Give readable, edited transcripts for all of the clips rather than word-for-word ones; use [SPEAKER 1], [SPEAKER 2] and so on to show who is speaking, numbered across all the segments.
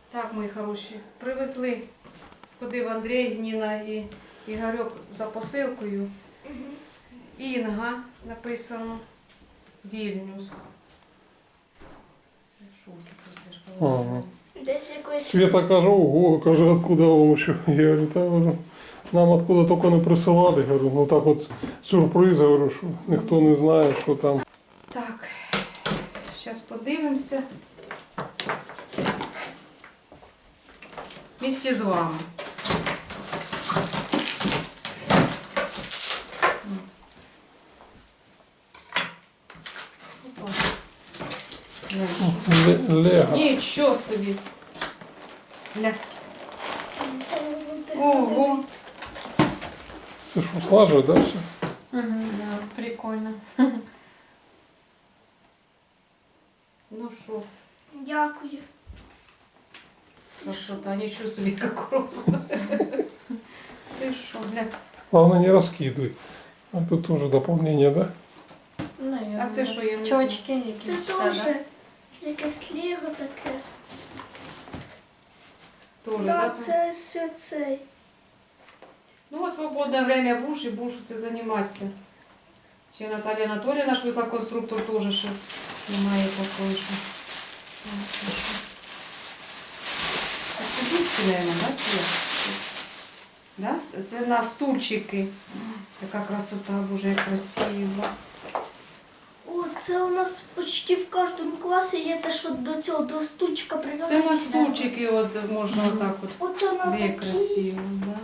[SPEAKER 1] Так, мої хороші, привезли, сходив Андрій, Ніна і Ігорьок за посилкою. Інга написано, Вільнюс. В шокі просто, ж коли
[SPEAKER 2] Ага.
[SPEAKER 1] знаю.
[SPEAKER 3] Десь якось.
[SPEAKER 2] Света каже, ого, каже, откуда вам еще? Я говорю, та говорю, нам откуда только не присилали. Говорю, ну так от сюрприз, говорю, що ніхто не знає, що там.
[SPEAKER 1] Так, зараз подивимося. Вместе з вами. Опа.
[SPEAKER 2] Лего.
[SPEAKER 1] Нічого собі. Ля. Ого.
[SPEAKER 2] Це що, слажує, да, все?
[SPEAKER 1] Да, прикольно. Ну що,
[SPEAKER 3] Дякую.
[SPEAKER 1] красота, нічого собі какого. Ти що, гля.
[SPEAKER 2] Главное, не раскидывай. А тут тоже дополнение, да?
[SPEAKER 1] А це що, я не знаю.
[SPEAKER 4] Чочки якісь.
[SPEAKER 3] Це
[SPEAKER 4] та,
[SPEAKER 3] теж
[SPEAKER 4] да?
[SPEAKER 3] якесь лего таке.
[SPEAKER 1] Тоже,
[SPEAKER 3] Так,
[SPEAKER 1] да?
[SPEAKER 3] це все цей.
[SPEAKER 1] Ну, а свободне время будеш і будеш це займатися. Ще Наталія Анатоліївна, наш висококонструктор, теж ще немає такої, що. А сидіть, наверное, да, чи як? Да? Це на стульчики. Така красота, боже, як красиво.
[SPEAKER 3] О, це у нас почти в кожному класі є те, що до цього, до стульчика
[SPEAKER 1] Це
[SPEAKER 3] прив'язані.
[SPEAKER 1] на стульчики от, можна отак от.
[SPEAKER 3] Оце на
[SPEAKER 1] Де
[SPEAKER 3] такі.
[SPEAKER 1] красиво, да.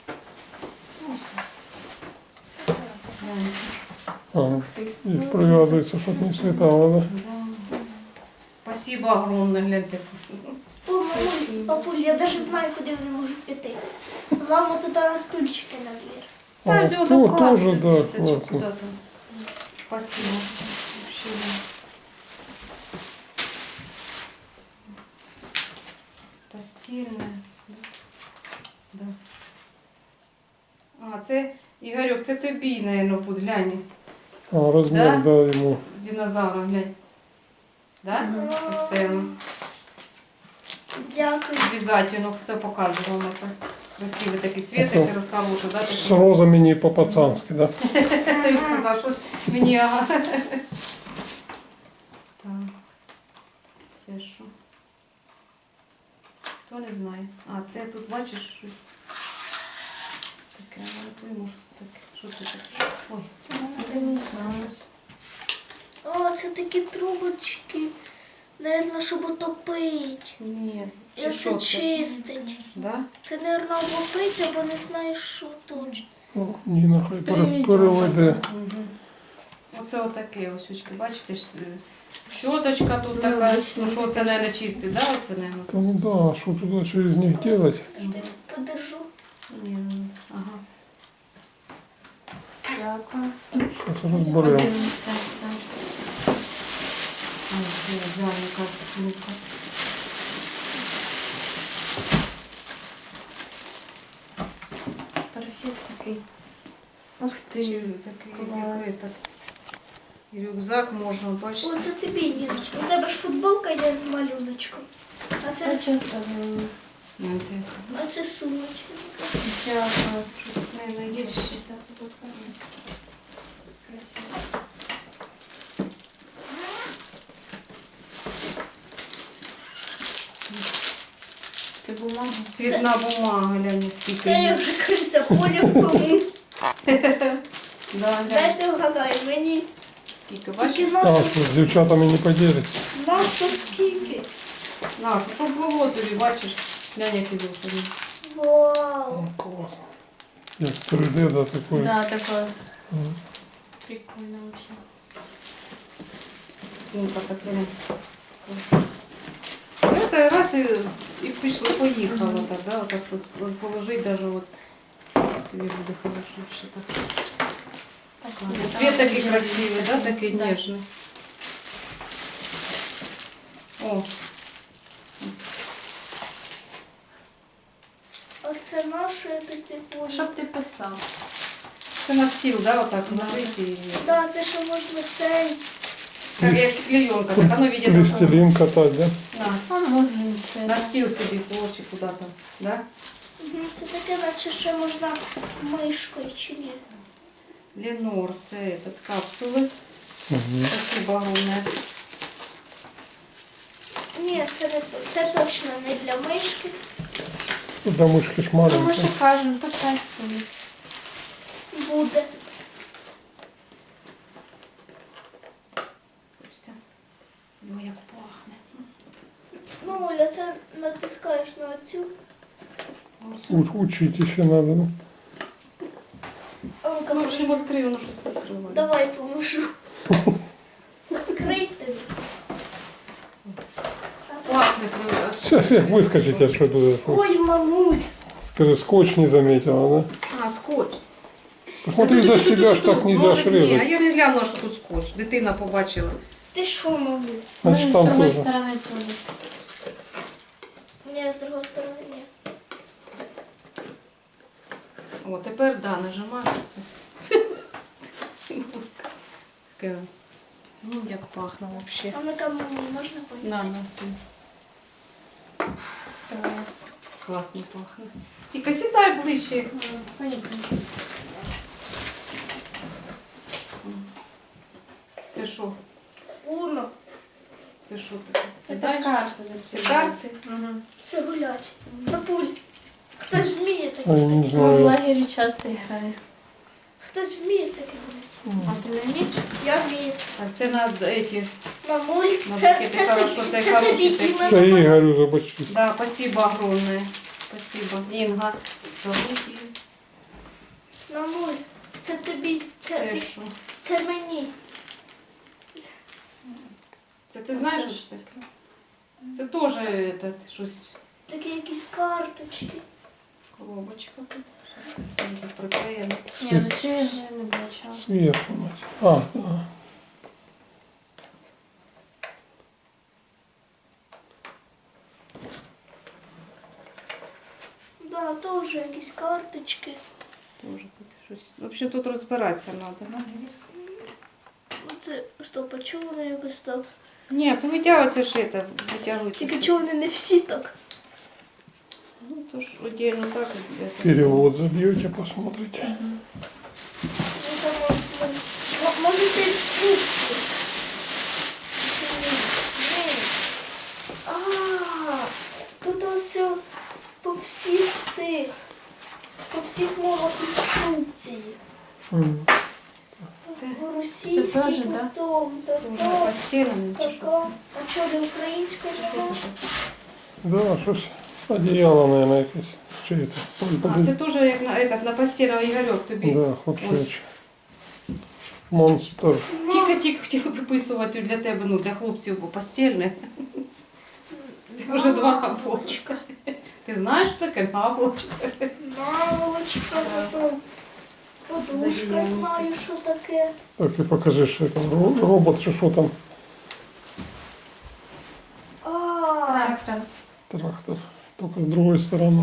[SPEAKER 1] Гляньте.
[SPEAKER 2] Ага. И привязывается, чтобы не слетало, да?
[SPEAKER 1] Да. Спасибо огромное, гляньте.
[SPEAKER 3] О, мамуль, папуль, я навіть знаю, куди вони можуть піти. Мама туди на стульчики на двір.
[SPEAKER 2] А,
[SPEAKER 1] Пойдёт,
[SPEAKER 2] то,
[SPEAKER 1] вкладывай,
[SPEAKER 2] тоже, да,
[SPEAKER 1] Светочка,
[SPEAKER 2] классно.
[SPEAKER 1] куда-то. Спасибо. Вообще, да. Постельная. Да. А, це, Ігорьок, це тобі, наверное, буде, глянь.
[SPEAKER 2] А, размер, да, ему.
[SPEAKER 1] З динозавром, глянь. Да? Постійно.
[SPEAKER 3] Дякую.
[SPEAKER 1] Обязательно все покажу вам это. Красивий такий цвет, як ти розкажу, да?
[SPEAKER 2] С
[SPEAKER 1] Такий.
[SPEAKER 2] розами не по-пацански, да?
[SPEAKER 1] Ти казав, щось мені, ага. Так. Це що? Хто не знає. А, це тут, бачиш, щось таке, я не пойму, що це таке. Що це таке? Ой.
[SPEAKER 4] Я не знаю.
[SPEAKER 3] О, це такі трубочки. Наверно, щоб отопити.
[SPEAKER 1] Ні.
[SPEAKER 3] І
[SPEAKER 1] Чи
[SPEAKER 3] оце
[SPEAKER 1] що це?
[SPEAKER 3] чистить.
[SPEAKER 1] Да?
[SPEAKER 3] Це, наверно, або пить, або не знаю, що точно.
[SPEAKER 2] Ну, Ніна хай
[SPEAKER 4] Переведемо.
[SPEAKER 2] переведе.
[SPEAKER 1] Угу. Оце отаке ось, очки, бачите, ж, щоточка тут така, ну що це, мабуть, чистий, да, оце, мабуть?
[SPEAKER 2] Да, ну да, что туда через них делать?
[SPEAKER 3] Подожди, подержу.
[SPEAKER 1] Ні, ну, ага.
[SPEAKER 4] Дякую.
[SPEAKER 2] Сейчас разберем.
[SPEAKER 4] Подивимося. так.
[SPEAKER 1] Ой, глянь, яка сумка.
[SPEAKER 4] Парфет такий. Ух
[SPEAKER 1] Чи
[SPEAKER 4] ти.
[SPEAKER 1] такий,
[SPEAKER 4] Клас.
[SPEAKER 1] як этот, і рюкзак можна,
[SPEAKER 3] О,
[SPEAKER 1] бачите?
[SPEAKER 3] це тобі, Ніночка. У тебе ж футболка є з малюночком. А
[SPEAKER 4] Це
[SPEAKER 3] це,
[SPEAKER 4] часто
[SPEAKER 1] Знаєте,
[SPEAKER 3] а це сумочка.
[SPEAKER 4] дякую.
[SPEAKER 1] щось, мабуть, є ще.
[SPEAKER 4] Це бумага.
[SPEAKER 1] Цвітна бумага, глянь, скільки
[SPEAKER 3] Це я
[SPEAKER 1] є.
[SPEAKER 3] вже кажеться, поля в кому.
[SPEAKER 1] Да, глянь,
[SPEAKER 3] Дайте вгадаю, мені
[SPEAKER 1] скільки,
[SPEAKER 3] тільки
[SPEAKER 1] бачиш?
[SPEAKER 2] А,
[SPEAKER 3] наша,
[SPEAKER 2] что, с девчатами не поделись.
[SPEAKER 3] наша скільки.
[SPEAKER 1] На, щоб було тобі, бачиш? Глянь, який був тобі.
[SPEAKER 3] Вау.
[SPEAKER 2] Ну, классно. Як 3D, да, такой.
[SPEAKER 4] Да, такое.
[SPEAKER 2] Мгм.
[SPEAKER 4] Прикольно вообще.
[SPEAKER 1] Сумка така. Ну, це раз і пішло, поїхало так, да, отак положить даже от. Тобі буде хорошо ще так.
[SPEAKER 4] Спасибо.
[SPEAKER 1] Цвет такий красивий, да, такий
[SPEAKER 4] Да.
[SPEAKER 1] ніжний. О,
[SPEAKER 3] Оце наше, я так не поняла.
[SPEAKER 4] Щоб ти писав.
[SPEAKER 1] це на стіл, да, отак ложить і...
[SPEAKER 3] Да, це ще можна цей.
[SPEAKER 1] Як клейонка, так, оно видит.
[SPEAKER 2] Пластилин катать, да?
[SPEAKER 1] На.
[SPEAKER 4] А можна Це
[SPEAKER 1] На стіл собі хоче куди-то, да?
[SPEAKER 3] Мгм, це таке, наче ще можна мишкою чи ні.
[SPEAKER 1] Ленор, це этот, капсули.
[SPEAKER 2] Мгм.
[SPEAKER 1] Спасибо огромное.
[SPEAKER 3] Ні, це не то. Це точно не для мишки.
[SPEAKER 2] Для мишки ж
[SPEAKER 4] Ну, ми
[SPEAKER 2] маленька.
[SPEAKER 4] ж кажемо, поставь туди.
[SPEAKER 3] Буде.
[SPEAKER 1] Костя. Ой, як пахне.
[SPEAKER 3] Ну, Оля, це натискаєш на цю.
[SPEAKER 2] Учить ще треба. Да?
[SPEAKER 3] А ну-ка,
[SPEAKER 1] Ну, в общем, відкрив, воно щось відкриває.
[SPEAKER 3] давай поможу. Відкрий тобі.
[SPEAKER 1] Пахне прям.
[SPEAKER 2] Сейчас як вискочить, а що туди?
[SPEAKER 3] Ой, мамуль.
[SPEAKER 2] Скажи, скотч не заметила, да?
[SPEAKER 1] А, скотч.
[SPEAKER 2] Посмотри, до себя ж так не дашь
[SPEAKER 1] Може, ні, а
[SPEAKER 2] резать.
[SPEAKER 1] я не глянула, що тут скотч. Дитина побачила.
[SPEAKER 3] Ти що, мамуль?
[SPEAKER 2] Значит,
[SPEAKER 4] З
[SPEAKER 2] там
[SPEAKER 4] другої
[SPEAKER 2] тоже.
[SPEAKER 4] сторони туди.
[SPEAKER 3] Ні, з другої сторони ні.
[SPEAKER 1] О, тепер, да, нажимається. Таке. Ну, як пахне взагалі.
[SPEAKER 3] А ну-ка, мамуль, можна поїхати?
[SPEAKER 1] На, ти. Класно пахне. Тільки сідай ближче.
[SPEAKER 4] Поїхали.
[SPEAKER 1] Це що?
[SPEAKER 3] Уно.
[SPEAKER 1] Це що таке?
[SPEAKER 4] Це
[SPEAKER 1] Сідаєш?
[SPEAKER 4] карти.
[SPEAKER 1] Це карти?
[SPEAKER 4] Угу.
[SPEAKER 3] Це гулять. Папуль. Хтось вміє таке.
[SPEAKER 2] А я не
[SPEAKER 4] Ми в
[SPEAKER 2] знаю.
[SPEAKER 4] лагері часто грає.
[SPEAKER 3] Хтось вміє таке гуляти.
[SPEAKER 4] А ти не вмієш?
[SPEAKER 3] Я вмію.
[SPEAKER 1] А це на эти.
[SPEAKER 3] Мамуль,
[SPEAKER 1] Ну,
[SPEAKER 3] це,
[SPEAKER 1] таке
[SPEAKER 3] це,
[SPEAKER 1] хорошо,
[SPEAKER 3] тобі,
[SPEAKER 1] це
[SPEAKER 3] це
[SPEAKER 1] хороші
[SPEAKER 3] тобі
[SPEAKER 1] такі.
[SPEAKER 3] іменно.
[SPEAKER 2] Це Ігорю забачусь.
[SPEAKER 1] Да, спасибо огромное. Спасибо. Інга. Зовут її.
[SPEAKER 3] Мамуль, це тобі, це,
[SPEAKER 1] Це
[SPEAKER 3] ти,
[SPEAKER 1] що?
[SPEAKER 3] це мені.
[SPEAKER 1] Це ти знаєш, що це? Це теж этот, щось,
[SPEAKER 3] Такі якісь карточки.
[SPEAKER 1] коробочка тут. Тут приклеєно.
[SPEAKER 4] Ні, ну цю я вже не бачила.
[SPEAKER 2] Сверху, мать. А, да.
[SPEAKER 3] Да, теж якісь карточки.
[SPEAKER 1] Тоже тут щось. Взагалі тут розбиратися треба.
[SPEAKER 3] Оце, стоп, а чого вони якось так?
[SPEAKER 1] Ні, це витягується ж це, витягується.
[SPEAKER 3] Тільки чого вони не всі так?
[SPEAKER 1] Ну, то ж отдельно так.
[SPEAKER 2] Перевод забьете, посмотрите.
[SPEAKER 3] Ну, там, може це інструкції? А, тут ось по всіх цих, по всіх мовах інструкції.
[SPEAKER 2] М.
[SPEAKER 1] Це
[SPEAKER 3] Російський,
[SPEAKER 4] це теж, да?
[SPEAKER 3] потом,
[SPEAKER 1] Це вже постілене чи що
[SPEAKER 3] така. А що, не українська
[SPEAKER 1] це?
[SPEAKER 3] мова?
[SPEAKER 2] Да, щось одеяло, наверное, якесь. Чи це? Ой,
[SPEAKER 1] А,
[SPEAKER 2] подожди.
[SPEAKER 1] це теж як на, этот, на постільного Ігорьок тобі.
[SPEAKER 2] Да, хлопчач. Монстр.
[SPEAKER 1] Тільки хотів виписувати для тебе, ну, для хлопців, бо постільне. Ти вже два наволочка. Ти знаєш, що таке наволочка?
[SPEAKER 3] Наволочка, потом подушка, знаю, що таке.
[SPEAKER 2] Так, і покажи, що там робот, чи що там.
[SPEAKER 3] А,
[SPEAKER 4] Трактор.
[SPEAKER 2] Трактор. Тільки з другої сторони.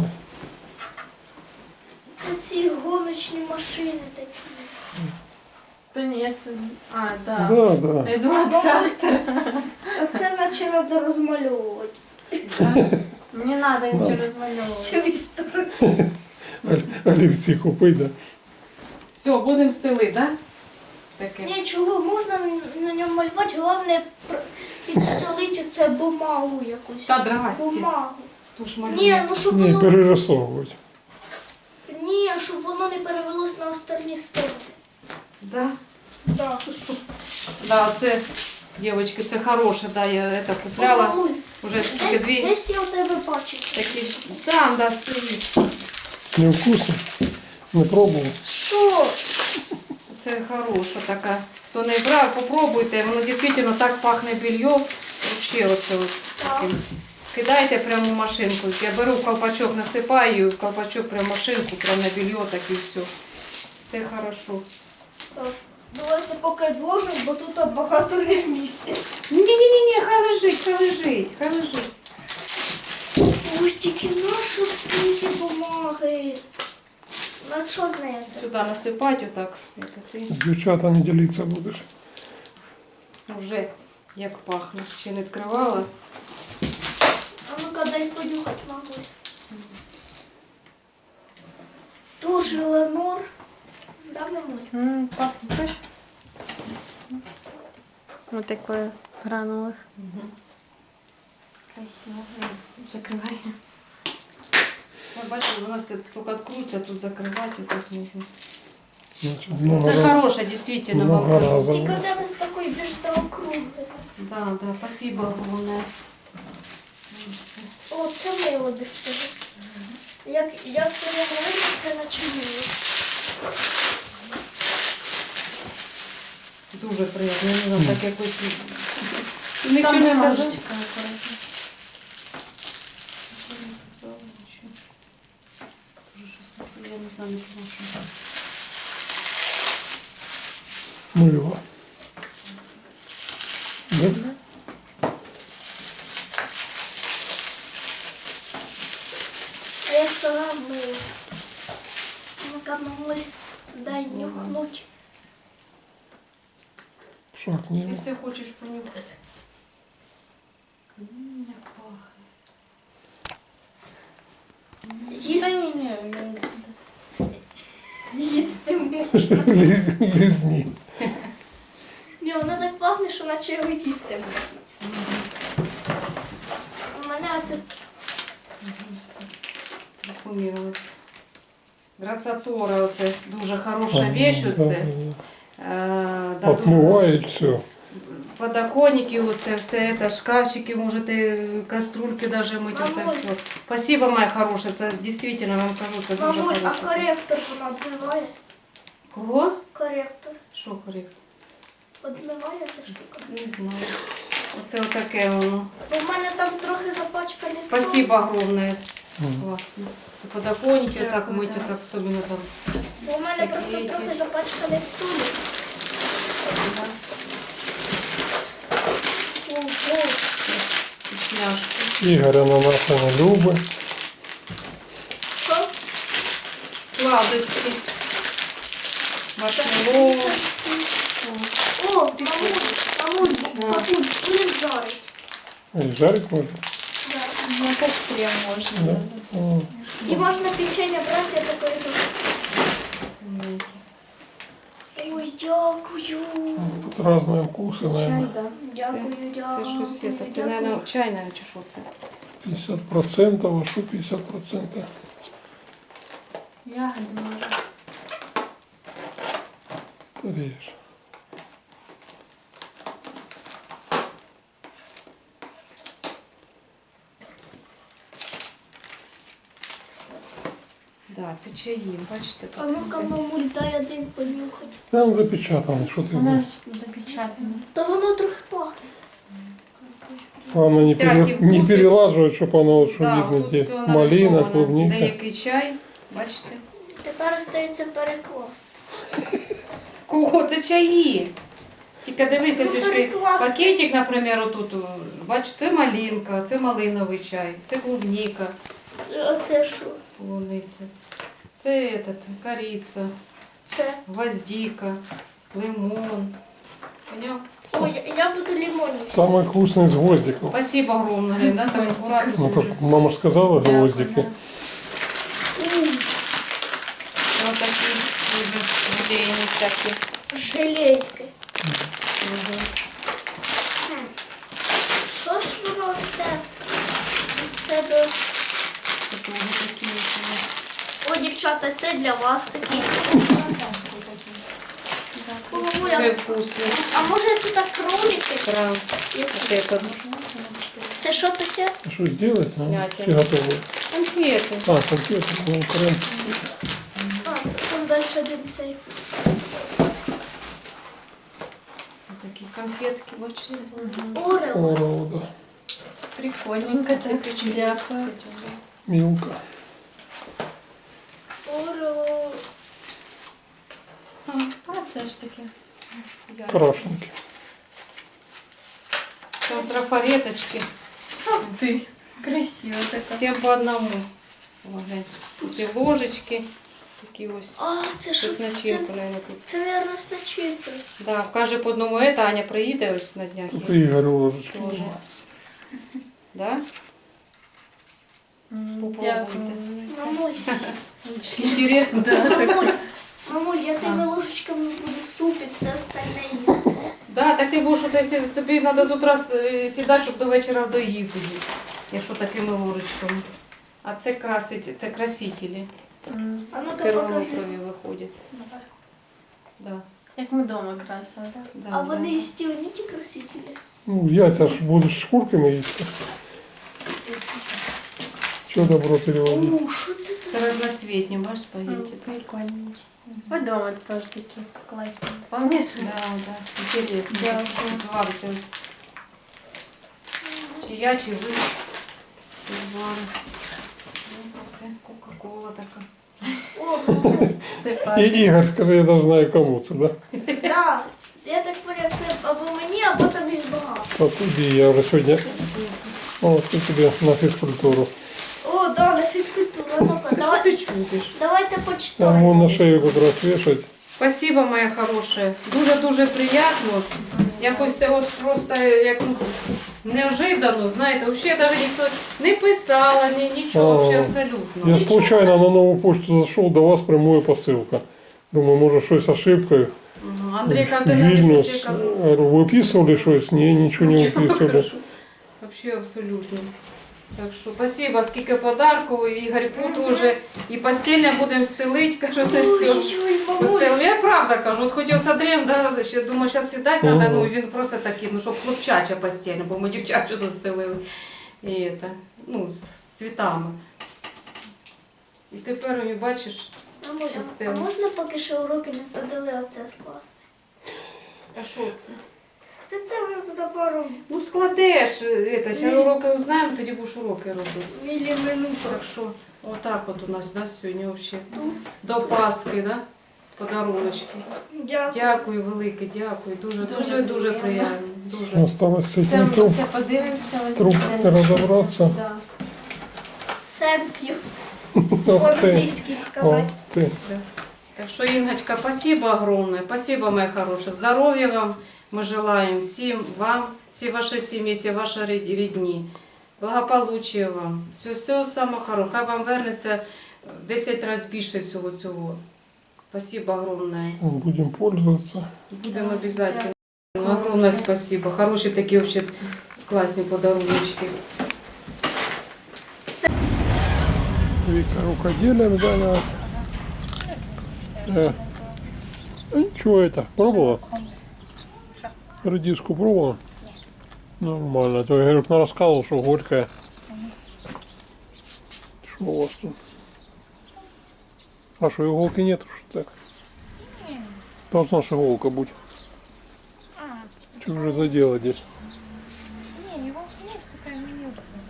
[SPEAKER 3] це ці гоночні машини такі.
[SPEAKER 4] Та ні, це... А, да.
[SPEAKER 2] Да, да.
[SPEAKER 4] Я думала, трактор.
[SPEAKER 3] А це наче треба розмальовувати.
[SPEAKER 4] Не треба нічого
[SPEAKER 3] З
[SPEAKER 4] розмальовувати.
[SPEAKER 3] цієї сторони.
[SPEAKER 2] Олівці купить, да.
[SPEAKER 1] Все, будемо стели, да? Таке.
[SPEAKER 3] Нічого, можна на ньому малювати, головне підстелити це бумагу якусь.
[SPEAKER 1] Та драсті.
[SPEAKER 3] Бумагу.
[SPEAKER 1] Тож
[SPEAKER 3] Ні,
[SPEAKER 1] малює.
[SPEAKER 3] ну щоб
[SPEAKER 2] Ні,
[SPEAKER 3] воно,
[SPEAKER 2] перерисовувати.
[SPEAKER 3] ні, щоб воно не перевелось на остальні сторони.
[SPEAKER 1] Да?
[SPEAKER 3] Да.
[SPEAKER 1] Да, це, дівчатки, це хороше, да, я это купляла.
[SPEAKER 3] Мамуль,
[SPEAKER 1] Уже скільки дві.
[SPEAKER 3] десь я у тебе бачу.
[SPEAKER 1] Такі, там, да, стоїть.
[SPEAKER 2] Не вкусно? Не пробував?
[SPEAKER 3] Що?
[SPEAKER 1] Це хороша така. Хто не брав, попробуйте. Воно дійсно так пахне белье. Вообще оце от таким. Кидайте прямо в машинку. Я беру в колпачок, насипаю, і в колпачок прямо в машинку, прямо на белье, так і все. Все хорошо.
[SPEAKER 3] Так, давайте поки відложимо, бо тут багато не вміститься.
[SPEAKER 1] Ні, хай лежить, хай лежить, хай лежить.
[SPEAKER 3] Ой, тільки нашу стільки бумаги. На що з нею це?
[SPEAKER 1] Сюди насипати отак. Це ти
[SPEAKER 2] З дівчата не ділитися будеш.
[SPEAKER 1] вже як пахне. Ще не відкривала.
[SPEAKER 3] А ну-ка, понюхати, мабуть. Тоже Ленор. Да, мамуль?
[SPEAKER 4] Пахнет, слышь? Вот такое гранулах. Красиво. Закрывай.
[SPEAKER 1] Це бачиш, у нас тільки відкрутиться, тут закривати, тут можна.
[SPEAKER 2] Значит, много
[SPEAKER 1] Це
[SPEAKER 2] раз.
[SPEAKER 1] хороше, дійсно,
[SPEAKER 2] Много
[SPEAKER 1] вам.
[SPEAKER 2] разів.
[SPEAKER 3] Тільки в тебе з такої більш заокруглої.
[SPEAKER 1] Да, да, спасибо огромное.
[SPEAKER 3] О, це мило більш всього. Як це не говорить, це наче мило.
[SPEAKER 1] Дуже приємно, не знаю, так якось. Нічого
[SPEAKER 4] Там
[SPEAKER 1] не
[SPEAKER 4] ножичка
[SPEAKER 1] кажуть.
[SPEAKER 4] аккуратно.
[SPEAKER 1] Я не знаю, нічого.
[SPEAKER 2] Мыло. Да?
[SPEAKER 3] А я сказала мило. Ну-ка, мамуль, дай нюхнуть.
[SPEAKER 2] Шаг не
[SPEAKER 1] Ти все хочеш понюхати. Як пахне.
[SPEAKER 4] Да
[SPEAKER 3] Їсти,
[SPEAKER 4] не,
[SPEAKER 3] їсти можна.
[SPEAKER 2] лизни.
[SPEAKER 3] Ні, воно так пахне, що наче його їсти можна. У мене ось
[SPEAKER 1] Декумірувати. Грацатора, оце дуже хороша вещь, оце. Да, дуже
[SPEAKER 2] Отмывает все.
[SPEAKER 1] подоконники, оце все це, шкафчики, можете каструльки даже мити, це
[SPEAKER 3] Мамуль.
[SPEAKER 1] все. Спасибо, моя хороша, це дійсно, вам кажу, це дуже
[SPEAKER 3] мамуль, а
[SPEAKER 1] хороше.
[SPEAKER 3] коректор вона відмиває?
[SPEAKER 1] Кого?
[SPEAKER 3] Коректор.
[SPEAKER 1] Що коректор?
[SPEAKER 3] Відмиває ця штука?
[SPEAKER 1] Не знаю. Оце отаке воно.
[SPEAKER 3] Бо в мене там трохи запачкані стол.
[SPEAKER 1] Спасибо огромное.
[SPEAKER 2] Мгм.
[SPEAKER 1] Классно. Подоконники вот так
[SPEAKER 4] Дякую,
[SPEAKER 1] мыть,
[SPEAKER 4] да.
[SPEAKER 1] вот так особенно там.
[SPEAKER 3] Бо в мене просто
[SPEAKER 1] Всякі
[SPEAKER 3] трохи
[SPEAKER 1] эти.
[SPEAKER 3] запачканий столик.
[SPEAKER 1] Да,
[SPEAKER 3] Ого.
[SPEAKER 1] вкусняшки.
[SPEAKER 2] Ігоря на нас не любить.
[SPEAKER 3] Що?
[SPEAKER 1] Сладости. Маршмеллоу.
[SPEAKER 3] О, мамуль, папуль, будем жарить.
[SPEAKER 2] І жарить може.
[SPEAKER 3] Да.
[SPEAKER 4] на костре можно.
[SPEAKER 2] Да.
[SPEAKER 4] Да.
[SPEAKER 2] О,
[SPEAKER 3] І можна печення брати, я такої. Ой, дякую.
[SPEAKER 2] тут разные вкусы,
[SPEAKER 4] Чай,
[SPEAKER 2] наверное.
[SPEAKER 4] да.
[SPEAKER 3] Дякую,
[SPEAKER 1] Це
[SPEAKER 3] дякую.
[SPEAKER 1] щось це. Це,
[SPEAKER 3] дякую.
[SPEAKER 1] мабуть, чайна чи що це?
[SPEAKER 2] 50%, а что 50%?
[SPEAKER 4] Ягоды можно.
[SPEAKER 2] Режь.
[SPEAKER 1] Да, це чаї, бачите,
[SPEAKER 3] А
[SPEAKER 1] тут
[SPEAKER 3] ну-ка,
[SPEAKER 1] все.
[SPEAKER 3] мамуль, дай один понюхати.
[SPEAKER 2] Там запечатано, что ты
[SPEAKER 4] Она
[SPEAKER 2] будешь?
[SPEAKER 4] же запечатана.
[SPEAKER 3] Та воно трохи пахне.
[SPEAKER 2] Главное не,
[SPEAKER 1] Всякие
[SPEAKER 2] не
[SPEAKER 1] вкусы.
[SPEAKER 2] перелаживать, чтобы оно, что
[SPEAKER 1] Да,
[SPEAKER 2] видно,
[SPEAKER 1] тут
[SPEAKER 2] где
[SPEAKER 1] все
[SPEAKER 2] малина,
[SPEAKER 1] нарисовано.
[SPEAKER 2] клубника.
[SPEAKER 1] Деякий чай, бачите?
[SPEAKER 3] Тепер остається перекласти.
[SPEAKER 1] Кого? Це чаї. Тільки дивися,
[SPEAKER 3] Ну,
[SPEAKER 1] Свічки,
[SPEAKER 3] перекласти.
[SPEAKER 1] пакетик, наприклад, отут, бачите, це малинка, це малиновий чай, це клубника,
[SPEAKER 3] Оце що?
[SPEAKER 1] полуниця, це этот, кориця,
[SPEAKER 3] Це.
[SPEAKER 1] гвоздика, лимон. Поняв?
[SPEAKER 3] Ой, я буду лимонний.
[SPEAKER 2] Самый вкусный из гвоздиков.
[SPEAKER 1] Спасибо огромное, Лен, да, так аккуратно.
[SPEAKER 2] Ну, как мама ж сказала, гвоздики.
[SPEAKER 1] Вот такі дуже желейні всякі.
[SPEAKER 3] Желейки.
[SPEAKER 1] Угу.
[SPEAKER 3] Що ж воно це з себе?
[SPEAKER 1] Це дуже такі.
[SPEAKER 3] О, дівчата, це для вас такі. О,
[SPEAKER 1] Це
[SPEAKER 3] мамуля,
[SPEAKER 1] вкусно.
[SPEAKER 3] а може тут так кролики?
[SPEAKER 1] Прям.
[SPEAKER 3] якісь?
[SPEAKER 1] Это
[SPEAKER 3] Це що таке?
[SPEAKER 2] А что сделать? А?
[SPEAKER 1] Снятие.
[SPEAKER 2] Все готовы.
[SPEAKER 1] конфети.
[SPEAKER 2] А, конфеты, ну, крем.
[SPEAKER 3] А, це там далі один цей.
[SPEAKER 1] Це такі конфетки, бачите?
[SPEAKER 3] Орео.
[SPEAKER 2] Орео, да.
[SPEAKER 4] Прикольненько
[SPEAKER 1] Це
[SPEAKER 4] так.
[SPEAKER 1] печенье.
[SPEAKER 4] Дякую.
[SPEAKER 2] Милка.
[SPEAKER 3] Орео.
[SPEAKER 4] А це ж таке.
[SPEAKER 2] Крашенки.
[SPEAKER 1] Там трафареточки.
[SPEAKER 4] Ах ты. Красиво така.
[SPEAKER 1] Всем по одному. Ага. Тут і ложечки. Такі ось.
[SPEAKER 3] А, це що?
[SPEAKER 1] Це з
[SPEAKER 3] Це,
[SPEAKER 1] начинкою, наверное, тут.
[SPEAKER 3] це, мабуть, з начинкою.
[SPEAKER 1] Да, каже по одному это, Аня приїде ось на днях.
[SPEAKER 2] Тут
[SPEAKER 1] і
[SPEAKER 2] Игорь ложечки.
[SPEAKER 1] Тоже. Да? Попробуйте.
[SPEAKER 3] Мамуль,
[SPEAKER 1] Інтересно.
[SPEAKER 3] мамуль, я тими ложечками буду суп і все остальне їсти.
[SPEAKER 1] Да, так ти будеш, тобі треба з утра сідати, щоб до вечора доїв тоді, якщо такими ложечками. А це красить, це красителі.
[SPEAKER 3] А ну-ка покажи.
[SPEAKER 1] Перламутрові виходять. Да,
[SPEAKER 4] Як ми вдома красили.
[SPEAKER 1] да,
[SPEAKER 3] А
[SPEAKER 1] да.
[SPEAKER 3] вони і стілені ті красителі.
[SPEAKER 2] Ну, яйця ж будеш шкурками їсти. Що добро переводить?
[SPEAKER 3] О, що це
[SPEAKER 1] Це
[SPEAKER 3] таке?
[SPEAKER 1] разноцветні, бачиш, спагетті.
[SPEAKER 4] Прикольненькі. Вдома теж такі класні. Помніш?
[SPEAKER 1] Да, да, інтересно.
[SPEAKER 4] Да.
[SPEAKER 1] Зварити ось. Чи я, чи ви. Звари. Ну, це Кока-кола така.
[SPEAKER 3] О, мамуль.
[SPEAKER 4] Це
[SPEAKER 2] І
[SPEAKER 4] пам'ять.
[SPEAKER 2] Ігор, скажи, я навіть знаю кому це, да?
[SPEAKER 3] Да, я так поняв, це або мені, або там їх багато.
[SPEAKER 2] Так, іди, я вже сьогодні. О, це тобі на фізкультуру.
[SPEAKER 3] О, да, на фізкультуру. Ну-ка,
[SPEAKER 1] Що ти чудиш?
[SPEAKER 3] давайте
[SPEAKER 2] Там
[SPEAKER 3] почитаємо.
[SPEAKER 2] вон на шею якраз вішать.
[SPEAKER 1] Спасибо, моя хорошая. Дуже-дуже приємно. Якось те от просто як неожиданно, знаєте, взагалі навіть ніхто не писала, нічого,
[SPEAKER 2] Ага.
[SPEAKER 1] взагалі абсолютно.
[SPEAKER 2] Я случайно на нову почту зайшов, до вас прямую посилка. Думаю, може щось ошибкою.
[SPEAKER 1] Ага. Андрій, як ти напишеш,
[SPEAKER 2] Вільнюс.
[SPEAKER 1] я кажу.
[SPEAKER 2] Говорю, виписували щось? Ні, нічого не виписували.
[SPEAKER 1] Вообще абсолютно. Так що спасибо, скільки подарку, і гарьпу теж, і постільне будемо стелити, кажу, це все.
[SPEAKER 3] Ой-ой-ой, мамуль.
[SPEAKER 1] Постелимо. Я правда кажу, от хотів з Андрієм, да, ще думаю, зараз сідати треба,
[SPEAKER 2] Ага.
[SPEAKER 1] ну він просто такий, ну щоб хлопчача постільна, бо ми дівчачу застелили. І це, ну, з цвітами. І тепер, ой, бачиш,
[SPEAKER 3] Мамуль, а
[SPEAKER 1] Постелимо.
[SPEAKER 3] можна поки що уроки не задали, оце скласти?
[SPEAKER 1] а що це?
[SPEAKER 3] Це воно туди пару
[SPEAKER 1] Ну складеш, ще уроки узнаємо, тоді будеш уроки робити.
[SPEAKER 3] міліминут.
[SPEAKER 1] Так що, отак от у нас, да, сьогодні взагалі.
[SPEAKER 3] Тут.
[SPEAKER 1] До Пасхи, да? Подаруночки.
[SPEAKER 3] Дякую.
[SPEAKER 1] Дякую, велике, дякую. Дуже,
[SPEAKER 4] Дуже
[SPEAKER 1] дуже, дуже
[SPEAKER 4] приємно.
[SPEAKER 1] приємно. Дуже.
[SPEAKER 2] Осталось
[SPEAKER 4] Це,
[SPEAKER 2] цей труп.
[SPEAKER 4] це подивимося.
[SPEAKER 2] Трубки розібратися.
[SPEAKER 4] Да.
[SPEAKER 3] Thank you.
[SPEAKER 2] Ох ти,
[SPEAKER 3] По-англійськи
[SPEAKER 2] ох
[SPEAKER 3] сказати.
[SPEAKER 2] ти.
[SPEAKER 1] Да. Так что, Ингочка, спасибо огромное. Спасибо, моя хорошая. Здоровья вам мы желаем всем вам, всей вашей семье, всей вашей родни. Благополуччя вам. Все самого хорошого. Хай вам вернеться в 10 разів більше всього цього. Спасибо огромное.
[SPEAKER 2] Будем пользоваться.
[SPEAKER 1] Будем обязательно. Огромное спасибо. Хорошие такие вообще классные подаруночки.
[SPEAKER 2] Вика рукоделием заняла. Ничего это, пробовала? Редиску пробовала? Нормально. А то я говорю, рассказывал, что горькая. Что у вас тут? А что, иголки нет? Что так? Должна же иголка быть. Что же за дело здесь?
[SPEAKER 5] Не, его есть, только неудобно.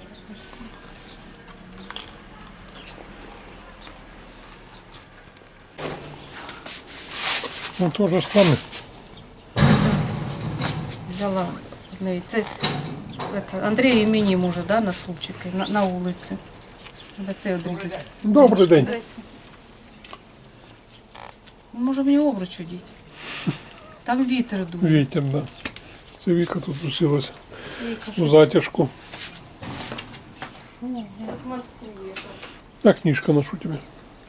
[SPEAKER 2] Ну тоже самое.
[SPEAKER 1] Взяла. Це, Андрій і мені може, да, на супчики, на вулиці. Треба це відрізати.
[SPEAKER 2] Добрый день.
[SPEAKER 1] Може мені обруч одіти? Там вітер дує.
[SPEAKER 2] Ветер, да. Це Вика тут усилась
[SPEAKER 1] Я їй
[SPEAKER 2] в
[SPEAKER 1] кажу,
[SPEAKER 2] затяжку.
[SPEAKER 1] «Фу,
[SPEAKER 2] А книжка ношу тебе.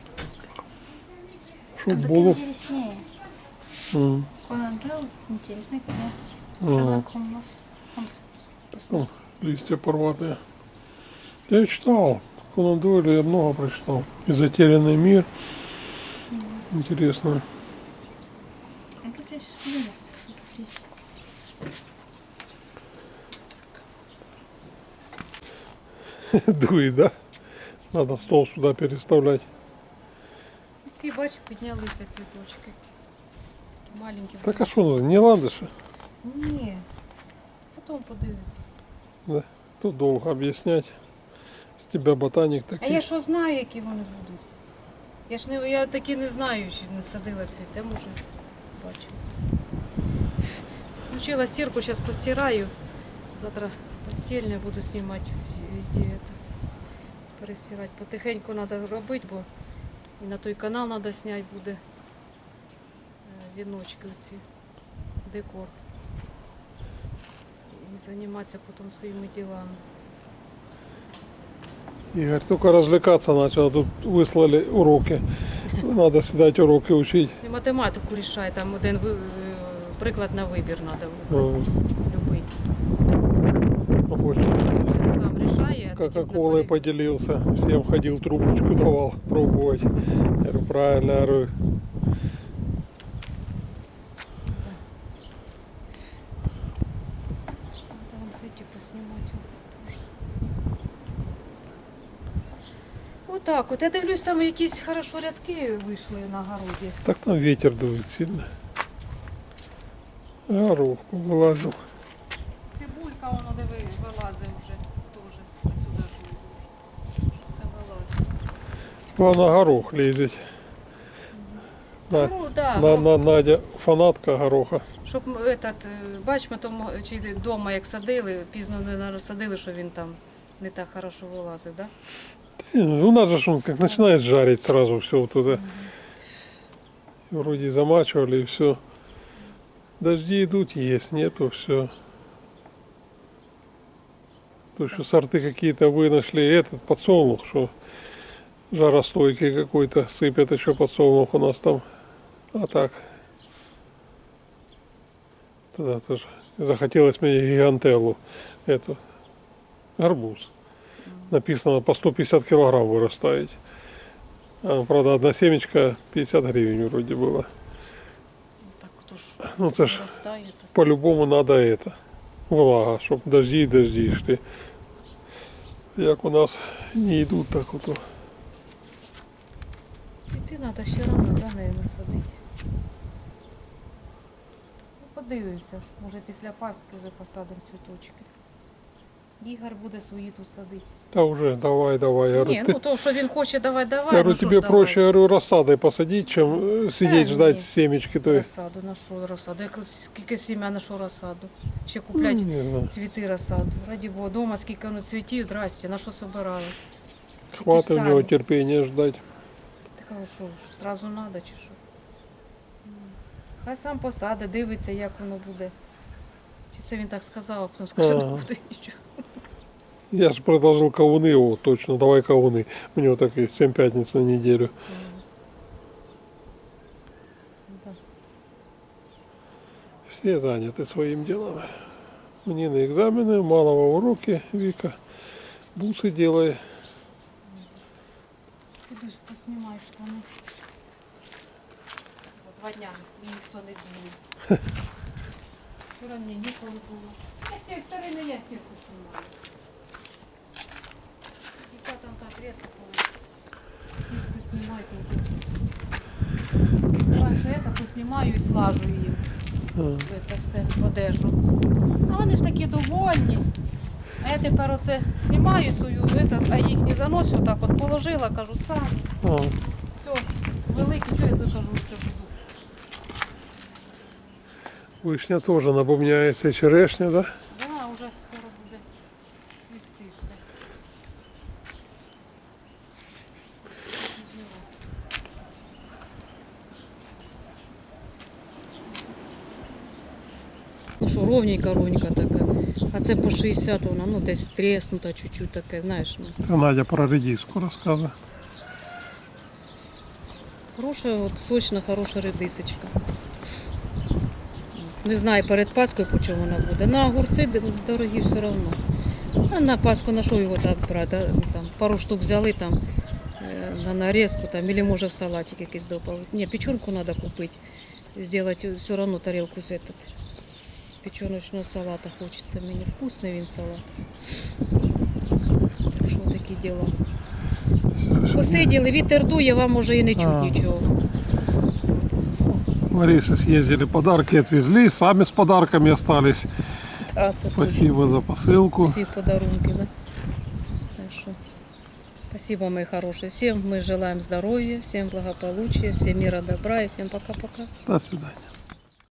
[SPEAKER 2] Чтоб
[SPEAKER 5] Так
[SPEAKER 2] было.
[SPEAKER 5] интереснее. Конан Дойл интересная книга. Шерлок Холмс.
[SPEAKER 2] Там листья порватые. Я читал. Конан Дойля я много прочитал. И «Затерянный мир». Интересно.
[SPEAKER 5] А тут я сейчас подумаю, что тут есть.
[SPEAKER 2] Дует, да? Надо стол сюда переставлять.
[SPEAKER 1] Ці, бач, піднялися цвіточки. Маленькі.
[SPEAKER 2] Так а что, не ландыши?
[SPEAKER 1] Ні. Потім подивитись.
[SPEAKER 2] Да. Тут долго объяснять. С тебя ботаник
[SPEAKER 1] А
[SPEAKER 2] такой.
[SPEAKER 1] я що знаю, які вони будуть? Я ж не, я такі не знаю, що не садила цвіте, може, бачу. Включила стирку, зараз постираю. Завтра постільне буду знімати везде это. Перестирати. Потихеньку треба робити, бо і на той канал треба зняти буде віночки оці, декор. І займатися потім своїми ділами.
[SPEAKER 2] Игорь только развлекаться начал, а тут выслали уроки. Надо сидеть уроки учить.
[SPEAKER 1] І математику рішай, там один приклад на вибір треба.
[SPEAKER 2] Ну,
[SPEAKER 1] Любий.
[SPEAKER 2] хочет.
[SPEAKER 1] Зараз сам рішає. а тоді
[SPEAKER 2] Кока-колой
[SPEAKER 1] на
[SPEAKER 2] поделился. Всем ходил, трубочку давал пробовать. Я говорю, правильно, я говорю.
[SPEAKER 1] Там эти поснимать тоже. Отак, от я дивлюсь, там якісь хорошо рядки вийшли на городі.
[SPEAKER 2] Так там ветер дует сильно. Горох вылазил.
[SPEAKER 1] Цибулька, воно диви, вилазить вже теж. Отсюди ж все вилазить.
[SPEAKER 2] Главное, горох лезет. На,
[SPEAKER 1] Ну, да,
[SPEAKER 2] Надя фанатка гороха.
[SPEAKER 1] щоб бач, ми тому чи вдома як садили, пізно не садили, що він там не так хорошо вилазив, да?
[SPEAKER 2] У нас же ж он как начинает жарить сразу все вот туда. Вроде замачивали и все. Дожди идут, есть, нету, все. То еще сорты какие-то вы нашли, этот подсолнух, что жаростойкий какой-то, сыпят еще подсолнух у нас там. А так. Тогда тоже захотелось мне гигантеллу, эту, арбуз. Написано по 150 килограмм вырастает. А, правда, одна семечка 50 гривен вроде было.
[SPEAKER 1] Так хто ж
[SPEAKER 2] Ну, це ж
[SPEAKER 1] виростає, то
[SPEAKER 2] по-любому надо это. Влага, чтобы дожди шли. Як у нас не идут, так вот.
[SPEAKER 1] цвіти треба все одно, да, наверное, садити. Ну, подивимося, може після Пасхи вже посадимо цвіточки. Ігор буде свої тут садити.
[SPEAKER 2] Да уже, давай. Я говорю,
[SPEAKER 1] Ні,
[SPEAKER 2] ты-
[SPEAKER 1] ну то, що він хоче, давай,
[SPEAKER 2] я говорю,
[SPEAKER 1] ну що
[SPEAKER 2] тебе
[SPEAKER 1] ж давай.
[SPEAKER 2] проще, я говорю, рассадой посадить, чем сидеть
[SPEAKER 1] Да,
[SPEAKER 2] ждать
[SPEAKER 1] нет.
[SPEAKER 2] семечки. То есть,
[SPEAKER 1] Розсаду, на що розсаду? Скільки сім'я, на що розсаду? Ще купляти
[SPEAKER 2] не знаю,
[SPEAKER 1] цвіти розсаду. Раді Бога, дома скільки воно цвітів, здрасте, на що собирали?
[SPEAKER 2] хватит у него
[SPEAKER 1] сами.
[SPEAKER 2] терпения ждать.
[SPEAKER 1] Так, а що, зразу треба чи що? Хай сам посаде, дивиться, як воно буде. Чи це він так сказав, а потім скаже,
[SPEAKER 2] Ага.
[SPEAKER 1] ну буде нічого.
[SPEAKER 2] Я же предложил кавуны, о, точно, давай кавуны. У него так и 7 пятниц на неделю.
[SPEAKER 1] Да.
[SPEAKER 2] Все заняты своим делом. Мне на экзамены, малого уроки, Вика. Бусы делает.
[SPEAKER 1] Піду поснімаю штани. Бо 2 дня ніхто не змінив. Вчора мені ніколи було. Я все время я стірку знімаю. Дівчатам так рідко коли. Стірку знімати. Давай це поснімаю і слажу її. Це все в одежу. А вони ж такі довольні. А я тепер оце знімаю свою, а їх не заношу, отак от положила, кажу, сам.
[SPEAKER 2] А,
[SPEAKER 1] Все, великий, що я тут кажу, що буду.
[SPEAKER 2] вишня тоже набумняется, и черешня, да?
[SPEAKER 1] Да, вже скоро буде цвісти все. Ну що, ровненька така. А це по 60 вона, ну десь треснута чуть-чуть таке, знаєш. Ну.
[SPEAKER 2] Это Надя про редиску рассказывает.
[SPEAKER 1] Хороша, от сочна, хороша редисочка. Не знаю перед Паскою, по чому вона буде. На огурці дорогі все одно. А на Пасху на що його там брати? Там, пару штук взяли там, на нарізку, там, або може в салатик якийсь добавити. Ні, печенку треба купити. Зробити все одно тарілку з этот. Печеночного салата хочеться мені. Вкусний він салат. Так що такі діла. Посиділи, вітер дує, вам може і не чуть нічого.
[SPEAKER 2] Ларисы съездили, подарки отвезли, сами с подарками остались.
[SPEAKER 1] А, це
[SPEAKER 2] Спасибо за посылку.
[SPEAKER 1] всі подарунки, да? Так що, спасибо, мои хорошие. Всем мы желаем здоровья, всем благополучия, всем мира, добра и всем пока-пока.
[SPEAKER 2] До свидания.